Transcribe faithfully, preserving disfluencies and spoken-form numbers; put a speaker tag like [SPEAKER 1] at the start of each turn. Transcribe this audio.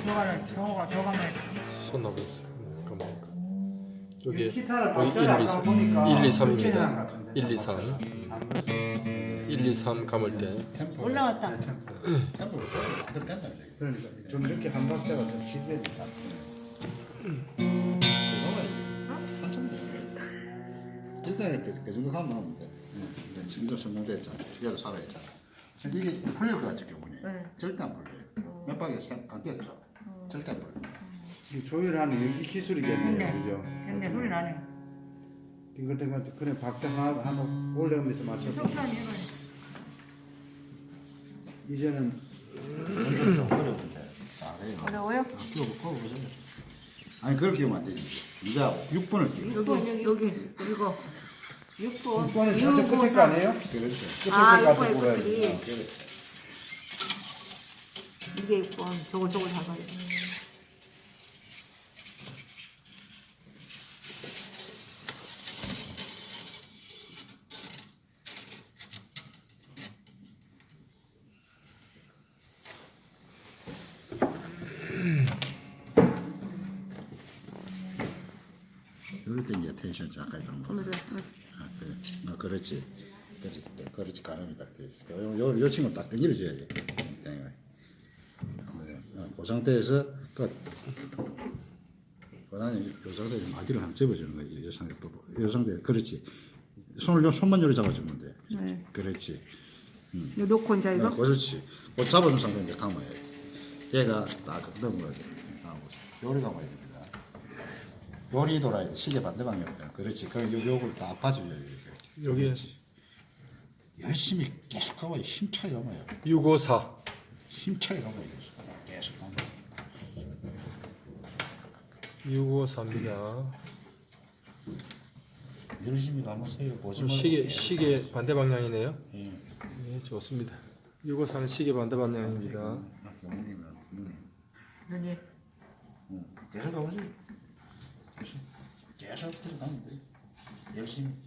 [SPEAKER 1] 저거는 저거가 저거는
[SPEAKER 2] 손 나고 있어요. 그러니까 여기
[SPEAKER 3] 기타를
[SPEAKER 2] 여기
[SPEAKER 3] 박자를 아까 보니까
[SPEAKER 2] 일, 이,
[SPEAKER 3] 흑해장
[SPEAKER 2] 삼입니다.
[SPEAKER 3] 같은데.
[SPEAKER 2] 일, 이, 삼. 일, 이, 삼 감을 때
[SPEAKER 4] 템포
[SPEAKER 1] 올라왔다.
[SPEAKER 4] 템포를 조금 만들어 된다는 얘기.
[SPEAKER 3] 그러니까 좀 이렇게 한 박자가 좀 길게니까.
[SPEAKER 4] 그거가 한참 걸려. 일단 이렇게 그 정도 가면 나오는데, 예, 이제 지금도 성공됐잖아. 얘도 살아있잖아. 이게 풀릴 것 같죠, 경훈이.
[SPEAKER 1] 네.
[SPEAKER 4] 절대 안 풀려요. 몇 박에 안 뛰었죠. 절대 안 풀려요.
[SPEAKER 3] 이 조율하는 이 기술이겠네요,
[SPEAKER 1] 네.
[SPEAKER 3] 그죠?
[SPEAKER 1] 근데 소리 나네.
[SPEAKER 3] 이것 때문에 그냥 박자 하나 하나 올려가면서 맞춰서
[SPEAKER 1] 속상해 이거.
[SPEAKER 3] 이제는
[SPEAKER 4] 엄청 좀 어려운데. 자, 그래.
[SPEAKER 1] 어려워요?
[SPEAKER 4] 키워보고 보세요. 아니, 그걸 키우면 안 되지. 이제 육 번을 키워.
[SPEAKER 1] 여기 여기 이거 육 번.
[SPEAKER 3] 육 번에 저쪽 끝에 거 아니에요?
[SPEAKER 4] 그렇죠.
[SPEAKER 3] 끝에
[SPEAKER 1] 아,
[SPEAKER 3] 거
[SPEAKER 1] 육 번에
[SPEAKER 3] 가지고 골라야
[SPEAKER 1] 끝이.
[SPEAKER 3] 돼.
[SPEAKER 4] 그래.
[SPEAKER 1] 이게 육 번. 저걸 저걸 잡아야 돼.
[SPEAKER 4] 이럴 때 이제 텐션 가까이 가는 거.
[SPEAKER 1] 그러면서
[SPEAKER 4] 아, 그래. 어, 그렇지. 그렇지. 그렇지. 가늠이 딱 되지. 요, 요, 요 친구 딱 당겨줘야지. 당겨. 어, 그 상태에서 끝. 그 다음에 요 상태에서 마디를 한번 접어주는 거지. 요 상태, 요 상태. 그렇지. 손을 좀, 손만 요리 잡아주면 돼.
[SPEAKER 1] 네.
[SPEAKER 4] 그렇지.
[SPEAKER 1] 이거 놓고 이제 이거.
[SPEAKER 4] 어, 그렇지. 그 잡아준 상태에 이제 감아야지. 얘가 딱 넘어가야 돼. 감고. 요리 감아야 됩니다. 요리 돌아야 돼. 시계 반대 방향이다. 그렇지. 그럼 요, 요걸 딱 봐줘야 돼. 이렇게.
[SPEAKER 2] 여기
[SPEAKER 4] 그렇지. 열심히 계속 가봐요. 힘차게 가봐요.
[SPEAKER 2] 육오사
[SPEAKER 4] 힘차게 가봐요. 계속. 계속 가봐요.
[SPEAKER 2] 육오사입니다.
[SPEAKER 4] 열심히 가보세요. 보지 말고.
[SPEAKER 2] 시계 시계 반대 방향이네요.
[SPEAKER 4] 예.
[SPEAKER 2] 네, 좋습니다. 육오사는 시계 반대 방향입니다.
[SPEAKER 4] 아, 경훈이면, 음.
[SPEAKER 1] 여기.
[SPEAKER 4] 음. 계속 가보세요. 계속. 계속 계속 가면 돼. 열심히.